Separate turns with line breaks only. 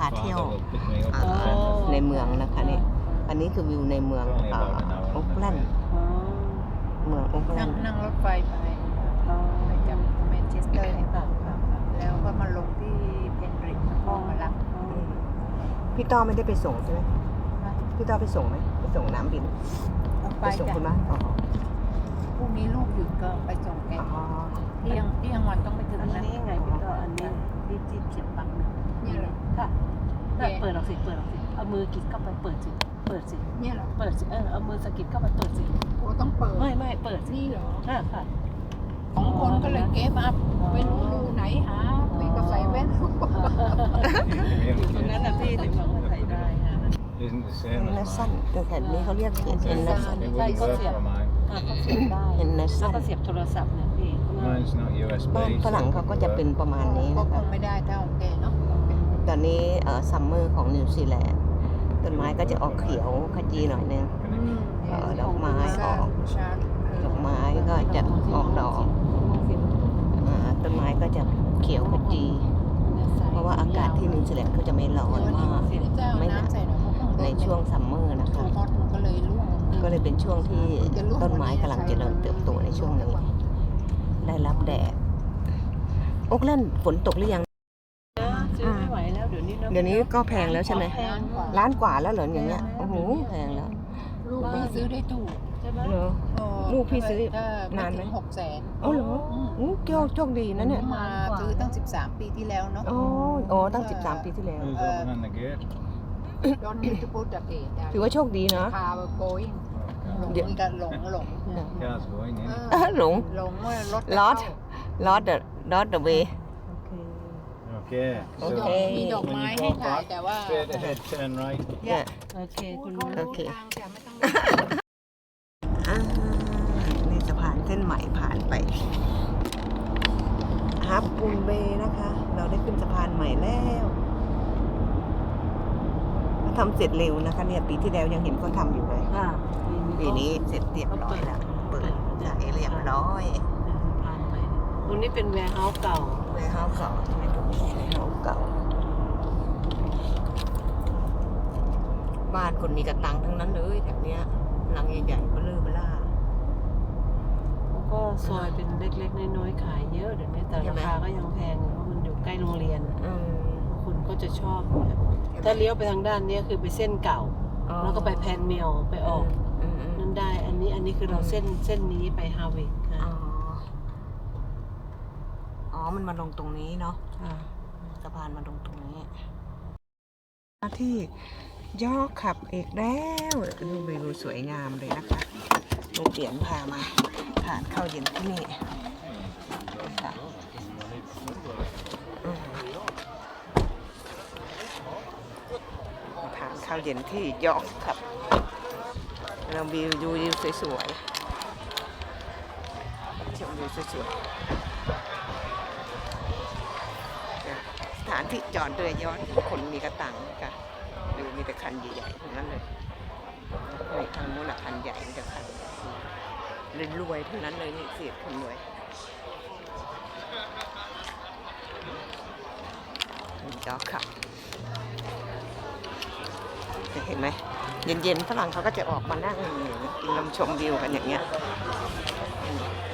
เที่ยวในเมืองนะคะนี่อันนี้คือวิวในเมืองโอ๊กแลนด์เมืองโอ๊กแลนด์
นั่งรถไฟไปจากแมนเชสเตอร์แล้วก็มาลงที่เพนริกพ่อมารับ
พี่ต้อไม่ได้ไปส่งใช่ไหมพี่ต้อไปส่งไหมไปส่งน้ำบินไปส่งคุณบ้านอ๋อ
พรุ่งนี้ลูกหยุดก็ไปส่งแกเที่ยงวันต้องไปถึงนะ
อันนี้ยังไงพี่ต่ออันนี้ที่เขียนปัง
เนี่ยเหรอ
ค่ะเปิดออกสิเอามือกิดเข้าไปเปิดสิ
เนี่ยเหรอ
เปิดสิเอามือสกิดเข้าไปเปิดสิ
โอ้ต้องเปิด
ไม่เปิดสิ
นี่เหรอ
ค่ะ
2 คนก็เลยเก็บอัพไม่รู้รูไหนหาพี่ก็ใส่แว่น
อยู่ตรงนั้นนะพี่ถึงบอกว่าใส่ได้ค่ะ
เอ็นเนสันแต่แถบนี้เขาเรียกเขียนเอ็นเนสัน
ใช่เขาเสียบได้
เอ็นเนสัน
แล้วก็เสียบโทรศัพท์เนี่ยพี่
บ้านฝรั่งเขาก็จะเป็นประมาณนี้
ก็
นะคะ
คงไม่ได้เท่าแกเนาะ
ตอนนี้ซัมเมอร์ของนิวซีแลนด์ต้นไม้ก็จะออกเขียวขจีหน่อยนึงดอกไม้ออกดอกไม้ก็จะออกดอกต้นไม้ก็จะเขียวขจีเพราะว่าอากาศที่นิวซีแลนด์เขาจะไม่ร้อนมากไม่หนาวในช่วงซัมเมอร์นะคะก็เลยเป็นช่วงที่ต้นไม้กำลังเจริญเติบโตในช่วงนี้ได้รับแดดโอ๊กแลนด์ฝนตกหรือยัง
ซื้อไม่ไหวแล้วเดี๋ยวนี้
ก็แพงแล้วใช่ไหมล้านกว่าแล้วเหรออย่างเงี้ยโอ้โหแพงแล้ว
ลูกพี่ซื้อได้ถูก
ใช่ไหม
เหรอลูกพี่ซื้อนานไหม
600,000
อ๋อเหรอโชคดีนะเนี่ย
มาซื้อตั้ง13 ปีที่แล้วเนาะ
อ๋อตั้ง13 ปีที่แล้วถือว่าโชคดีนะ
พาไปโกยหลง
หลงลอดเดอะเวย์
โอเคมีดอกไม้ให้ถ่ายแต่ว่า
โอเคคุณ
โอเคนี่สะพานเส้นใหม่ผ่านไปฮับปูนเบย์นะคะเราได้ขึ้นสะพานใหม่แล้วทำเสร็จเร็วนะคะเนี่ยปีที่แล้วยังเห็นเขาทำอยู่เลยปีนี้เสร็จเรียบร้อยแล้วเปิดจ่ายเรียบร้อย
ตรงนี้เป็นแวร์เฮาส์เก่า
ใช่ไหมตรงนี้แวร์เฮาส์เก่าบ้านคนมีกระตังทั้งนั้นเลยแถบเนี้ยหลังใหญ่ๆเบลอล่า
แล้วก็ซอยเป็นเล็กๆน้อยๆขายเยอะเดี๋ยวนี้แต่ราคาก็ยังแพงเพราะมันอยู่ใกล้โรงเรียนคุณก็จะชอบถ้าเลี้ยวไปทางด้านนี้คือไปเส้นเก่าแล้วก็ไปแพนเมลไปออกนั่นได้อันนี้คือเราเส้นนี้ไปฮาวิกค่ะ
มันมาลงตรงนี้เนาะสะพานมาลงตรงนี้ที่ยอขับเอกแล้วดูวิวสวยงามเลยนะคะลูกเปลี่ยนพามาทานข้าวเย็นที่นี่ค่ะทานข้าวเย็นที่ยอขับเราวิวสวยๆชมวิวสวยๆสถานที่จอดเรือยอชต์คนมีกระตังค่ะดูมีแต่คันใหญ่ๆทั้งนั้นเลยนี่ทางโน้นคันใหญ่มีแต่คันรวยๆทั้งนั้นเลยนี่เสียคนรวยจอขับเห็นไหมเย็นๆฝรั่งเขาก็จะออกมานั่งกินลมชมวิวกันอย่างเงี้ย